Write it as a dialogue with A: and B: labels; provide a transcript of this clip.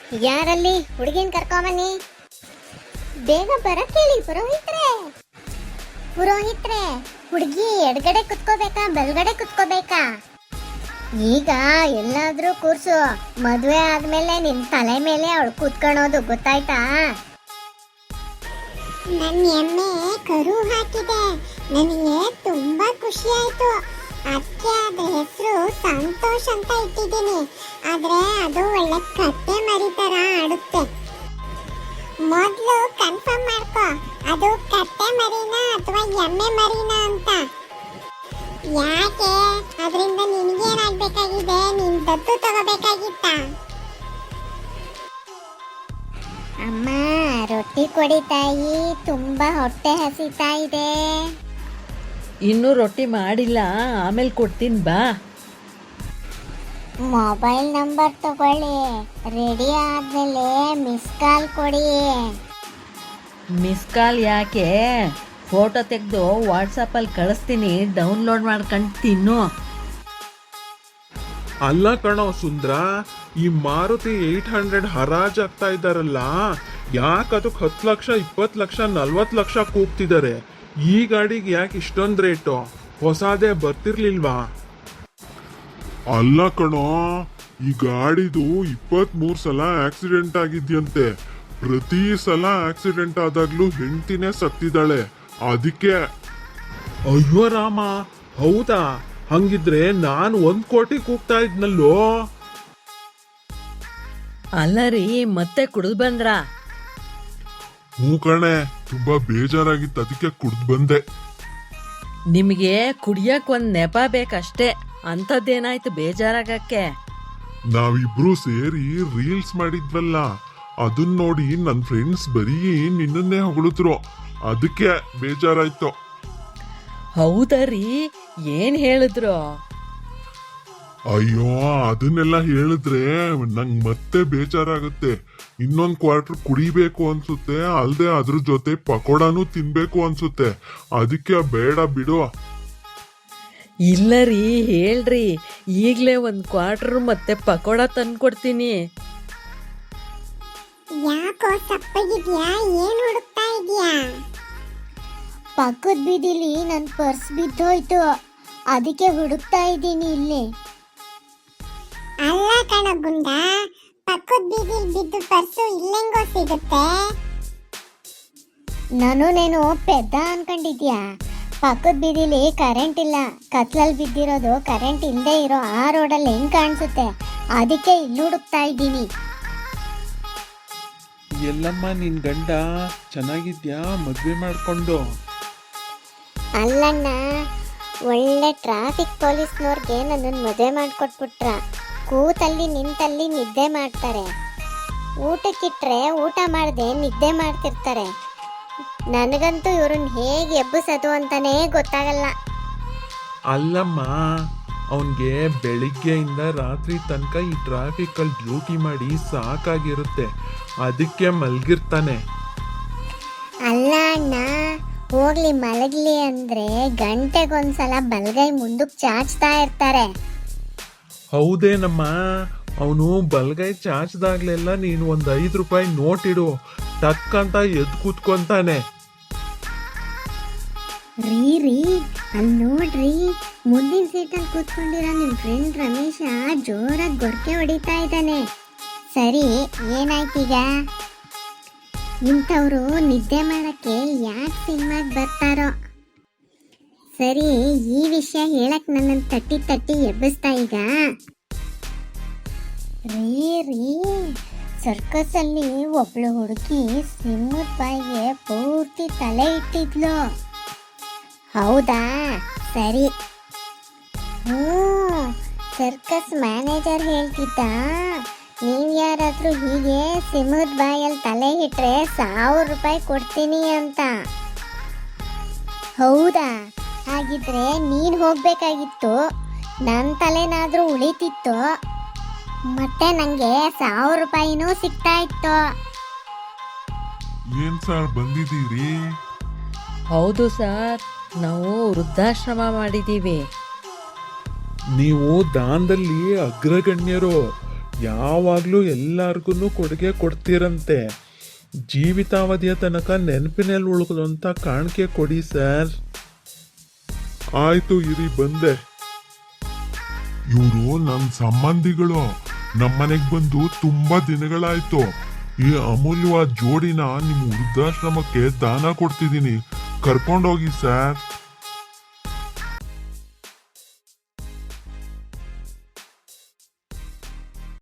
A: ಯಾರಲ್ಲಿ ಹುಡುಗಿನ ಕರ್ಕೊಂಬನ್ನಿ. ಬೇಗ ಬರಕ್ ಹೇಳಿ ಪುರೋಹಿತ್ರೆ. ಪುರೋಹಿತ್ರೆ, ಹುಡುಗಿ ಎಡಗಡೆ ಕುತ್ಕೋಬೇಕಾ ಬಲ್ಗಡೆ ಕುತ್ಕೋಬೇಕಾ? ಈಗ ಎಲ್ಲಾದ್ರೂ ಕೂರ್ಸು. ಮದುವೆ ಆದ್ಮೇಲೆ ನಿನ್ ತಲೆ ಮೇಲೆ ಅವಳು ಕೂತ್ಕೊಳ್ಳೋದು ಗೊತ್ತಾಯ್ತಾ?
B: ನನ್ನ ಎಮ್ಮೆ ಕರು ಹಾಕಿದೆ. ನನಗೆ ತುಂಬಾ ಖುಷಿ ಆಯ್ತು. ಅದಕ್ಕೆ ಅದ್ರ ಹೆಸರು ಸಂತೋಷ್ ಅಂತ ಇಟ್ಟಿದ್ದೀನಿ. ಆದ್ರೆ ಅದು ಒಳ್ಳೆ ಕತ್ತೆ ಮರಿ ತರ ಆಡುತ್ತೆ. ಮೊದಲು ಕನ್ಫರ್ಮ್ ಮಾಡ್ಕೋ, ಅದು ಕತ್ತೆ ಮರಿನಾ ಅಥವಾ ಎಮ್ಮೆ ಮರಿನಾ ಅಂತ. ಯಾಕೆ? ಅದರಿಂದ ನಿನಗೇನಾಗಬೇಕಾಗಿದೆ? ನೀನ್ ದತ್ತು ತಗೋಬೇಕಾಗಿತ್ತ?
A: ಅಮ್ಮ, ರೊಟ್ಟಿ ಕೊಡಿ ತಾಯಿ, ತುಂಬಾ ಹೊಟ್ಟೆ ಹಸಿತಾ ಇದೆ.
C: ಇನ್ನೂ ರೊಟ್ಟಿ ಮಾಡಿಲ್ಲ, ಆಮೇಲೆ ಕೊಡ್ತೀನಿ ಬಾ.
A: ಮೊಬೈಲ್ ನಂಬರ್ ತಗೊಳ್ಳಿ, ರೆಡಿ ಆದ್ಮೇಲೆ ಮಿಸ್ ಕಾಲ್ ಕೊಡಿ.
C: ಮಿಸ್ ಕಾಲ್ ಯಾಕೆ? ಫೋಟೋ ತೆಗೆದು ವಾಟ್ಸಪ್ಪಲ್ಲಿ ಕಳಿಸ್ತೀನಿ, ಡೌನ್ಲೋಡ್ ಮಾಡ್ಕೊಂಡು ತಿನ್ನು.
D: ಅಲ್ಲ ಕಣೋ ಸುಂದ್ರ, ಈ ಮಾರುತಿ 800 ಹರಾಜಾಗ್ತಾ ಇದ್ದಾರಲ್ಲ, ಯಾಕೆ ಅದಕ್ಕೆ 10 ಲಕ್ಷ 20 ಲಕ್ಷ 40 ಲಕ್ಷ ಕೂಗ್ತಿದ್ದಾರೆ? ಈ ಗಾಡಿಗೆ ಯಾಕೆ ಇಷ್ಟೊಂದು ರೇಟು? ಹೊಸದೇ ಬರ್ತಿರ್ಲಿಲ್ವಾ?
E: ಅಲ್ಲ ಕಣೋ, ಈ ಗಾಡಿದು 23 ಸಲ ಆಕ್ಸಿಡೆಂಟ್ ಆಗಿದ್ಯಂತೆ. ಪ್ರತಿ ಸಲ ಆಕ್ಸಿಡೆಂಟ್ ಆದಾಗ್ಲೂ ಹೆಂಡ್ತಿನೇ ಸತ್ತಿದ್ದಾಳೆ. ಅದಕ್ಕೆ.
D: ಅಯ್ಯೋ ರಾಮ, ಹೌದಾ? ಹಂಗಿದ್ರೆ ನಾನು 1 ಕೋಟಿ ಕೂಗ್ತಾ ಇದ್ನಲ್ಲೋ.
C: ಅಲ್ಲ ರೀ, ಮತ್ತೆ ಕುಡಿದು ಬಂದ್ರಾ?
E: ಹೂ ಕಣೆ, ತುಂಬಾ ಬೇಜಾರಾಗಿತ್ತು, ಅದಕ್ಕೆ ಕುಡ್ದು ಬಂದೆ.
C: ನಿಮಗೆ ಕುಡಿಯಕ್ಕೆ ಒಂದು ನೆಪ ಬೇಕಷ್ಟೇ, ಅಂಥದ್ದೇನಾಯ್ತು ಬೇಜಾರಾಗಕ್ಕೆ?
E: ನಾವಿಬ್ರು ಸೇರಿ ರೀಲ್ಸ್ ಮಾಡಿದ್ವಲ್ಲ, ಅದನ್ನ ನೋಡಿ ನನ್ನ ಫ್ರೆಂಡ್ಸ್ ಬರೀ ನಿನ್ನನ್ನೇ ಹೊಗಳಿದ್ರು. ಅದಕ್ಕೆ ಬೇಜಾರಾಯ್ತು.
C: ಹೌದಾ ರೀ? ಏನು ಹೇಳಿದ್ರು?
E: ಅಯ್ಯೋ, ಅದನ್ನೆಲ್ಲ ಹೇಳಿದ್ರೆ ನಂಗೆ ಮತ್ತೆ ಬೇಜಾರಾಗುತ್ತೆ. ಇನ್ನೊಂದು ಕ್ವಾರ್ಟರ್ ಕುಡಿಬೇಕು ಅನ್ಸುತ್ತೆ, ಅಲ್ದೆ ಅದ್ರ ಜೊತೆ ಪಕೋಡಾನು ತಿನ್ಬೇಕು ಅನ್ಸುತ್ತೆ. ಅದಕ್ಕೆ ಬೇಡ ಬಿಡು.
C: ಇಲ್ಲ ರೀ, ಹೇಳ್ರಿ, ಈಗಲೇ ಒಂದು ಕ್ವಾರ್ಟರ್ ಮತ್ತೆ ಪಕೋಡ ತಂದ್ಕೊಡ್ತೀನಿ.
B: ಯಾಕೋ ಸಪ್ಪಗಿದ್ಯಾ? ಏನ್ ಹುಡುಕ್ತಾ ಇದೀಯಾ?
A: ಪಕ್ಕದ ಬೀದಿಲಿ ನನ್ನ ಪರ್ಸ್ ಬಿದ್ದೋಯ್ತು, ಅದಕ್ಕೆ ಹುಡುಕ್ತಾ ಇದ್ದೀನಿ ಇಲ್ಲಿ.
B: ಅಲ್ಲ ಕಣ ಗುಂಡ, ಪಕ್ಕದ ಬೀದಿಲ್ ಬಿದ್ದು ಪರ್ಸು ಇಲ್ಲೆಂಗೋ ಸಿಗುತ್ತೆ?
A: ನೀನು ಪೆದ್ದ ಅನ್ಕೊಂಡಿದ್ಯಾ? ಪಕ್ಕದ ಬೀದಿಲಿ ಕರೆಂಟ್ ಇಲ್ಲ, ಕತ್ಲಲ್ಲಿ ಬಿದ್ದಿರೋದು ಕರೆಂಟ್ ಇಲ್ಲದೆ ಇರೋ ಆ ರೋಡಲ್ಲಿ ಹೆಂಗ್ ಕಾಣಿಸುತ್ತೆ? ಅದಕ್ಕೆ ಇಲ್ಲಿ ಹುಡುಕ್ತಾ ಇದ್ದೀನಿ.
D: ಎಲ್ಲಮ್ಮ ನಿನ್ ಗಂಡ ಚೆನ್ನಾಗಿದ್ಯಾ? ಮದ್ವೆ ಮಾಡ್ಕೊಂಡು?
A: ಅಲ್ಲಣ್ಣ, ಒಳ್ಳೆ ಟ್ರಾಫಿಕ್ ಪೊಲೀಸ್ನವ್ರಿಗೆ ನನ್ನನ್ನು ಮದುವೆ ಮಾಡಿಕೊಟ್ಬಿಟ್ರ. ಕೂತಲ್ಲಿ ನಿಂತಲ್ಲಿ ನಿದ್ದೆ ಮಾಡ್ತಾರೆ, ಊಟಕ್ಕಿಟ್ರೆ ಊಟ ಮಾಡದೆ ನಿದ್ದೆ ಮಾಡ್ತಿರ್ತಾರೆ. ನನಗಂತೂ ಇವ್ರನ್ನ ಹೇಗೆ ಎಬ್ಬಿಸೋದು ಅಂತಾನೇ ಗೊತ್ತಾಗಲ್ಲ.
D: ಅಲ್ಲಮ್ಮ, ಅವನ್ಗೆ ಬೆಳಿಗ್ಗೆಯಿಂದ ರಾತ್ರಿ ತನಕ ಈ ಟ್ರಾಫಿಕಲ್ಲಿ ಡ್ಯೂಟಿ ಮಾಡಿ ಸಾಕಾಗಿರುತ್ತೆ, ಅದಕ್ಕೆ ಮಲ್ಗಿರ್ತಾನೆ.
A: ಅಲ್ಲ ಅಣ್ಣ, ಹೋಗ್ಲಿ ಮಲಗ್ಲಿ ಅಂದ್ರೆ ಗಂಟೆಗೊಂದ್ಸಲ ಬಲಗೈ ಮುಂದಕ್ಕೆ ಚಾಚ್ತಾ ಇರ್ತಾರೆ.
D: ಹೌದೇನಮ್ಮ? ಅವನು ಬಲ್ಗೈ ಚಾಚ್ದಾಗ್ಲೆಲ್ಲ ನೀನು ಒಂದು 5 ರೂಪಾಯಿ ನೋಟ್ ಇಡು, ಟಕ್ ಅಂತ ಎದ್ದು ಕೂತ್ಕೊಂತಾನೆ.
A: ರೀ ಅಲ್ಲಿ ನೋಡ್ರಿ, ಮುಂದಿನ ಸೀಟಲ್ಲಿ ಕೂತ್ಕೊಂಡಿರೋ ನಿಮ್ಮ ಫ್ರೆಂಡ್ ರಮೇಶ ಜೋರಾಗಿ ಗೊರಕೆ ಹೊಡಿತಾ ಇದ್ದಾನೆ. ಸರಿ, ಏನಾಯ್ತೀಗ? ಇಂಥವ್ರು ನಿದ್ದೆ ಮಾಡಕ್ಕೆ ಯಾಕೆ ಸಿನಿಮಾಗೆ ಬರ್ತಾರೋ? ಸರಿ, ಈ ವಿಷಯ ಹೇಳಕ್ ನನ್ನನ್ನು ತಟ್ಟಿ ತಟ್ಟಿ ಎಬ್ಬಿಸ್ತಾ ಈಗ. ರೀ ಸರ್ಕಸ್ ಅಲ್ಲಿ ಒಬ್ಳು ಹುಡುಗಿ ಸಿಂಹದ ಬಾಯಿಗೆ ಪೂರ್ತಿ ತಲೆ ಇಟ್ಟಿದ್ಲು. ಹೌದಾ? ಸರಿ. ಸರ್ಕಸ್ ಮ್ಯಾನೇಜರ್ ಹೇಳ್ತಿದ್ದ, ನೀವು ಯಾರಾದ್ರೂ ಹೀಗೆ ಸಿಂಹದ ಬಾಯಲ್ಲಿ ತಲೆ ಇಟ್ರೆ 1000 ರೂಪಾಯಿ ಕೊಡ್ತೀನಿ ಅಂತ. ಹೌದಾ? ಹಾಗಿದ್ರೆ ನೀನು ಹೋಗ್ಬೇಕಾಗಿತ್ತು, ನನ್ನ ತಲೆನಾದ್ರೂ ಉಳಿತಿತ್ತು, ಮತ್ತೆ ನನಗೆ 1000 ರೂಪಾಯಿನೂ ಸಿಗ್ತಾ ಇತ್ತು.
E: ಏನ್ ಸರ್ ಬಂದಿದ್ದೀರಿ?
C: ಹೌದು ಸರ್, ನಾವು ವೃದ್ಧಾಶ್ರಮ ಮಾಡಿದ್ದೀವಿ.
D: ನೀವು ದಾನದಲ್ಲಿ ಅಗ್ರಗಣ್ಯರು. ಯಾವಾಗಲೂ ಎಲ್ಲರಿಗೂ ಕೊಡುಗೆ ಕೊಡ್ತೀರಂತೆ. ಜೀವಿತಾವಧಿಯ ತನಕ ನೆನಪಿನಲ್ಲಿ ಉಳ್ಕೊಳ್ಳುವಂಥ ಕಾಣಿಕೆ ಕೊಡಿ ಸರ್.
E: ಆಯ್ತು ಇರಿ ಬಂದೆ. ಇವರು ನನ್ನ ಸಂಬಂಧಿಗಳು ನಮ್ಮನೆಗ್ ಬಂದು ತುಂಬಾ ದಿನಗಳಾಯ್ತು. ಈ ಅಮೂಲ್ಯವಾದ ಜೋಡಿನ ನಿಮ್ ವೃದ್ಧಾಶ್ರಮಕ್ಕೆ ದಾನ ಕೊಡ್ತಿದ್ದೀನಿ, ಕರ್ಕೊಂಡೋಗಿ ಸರ್.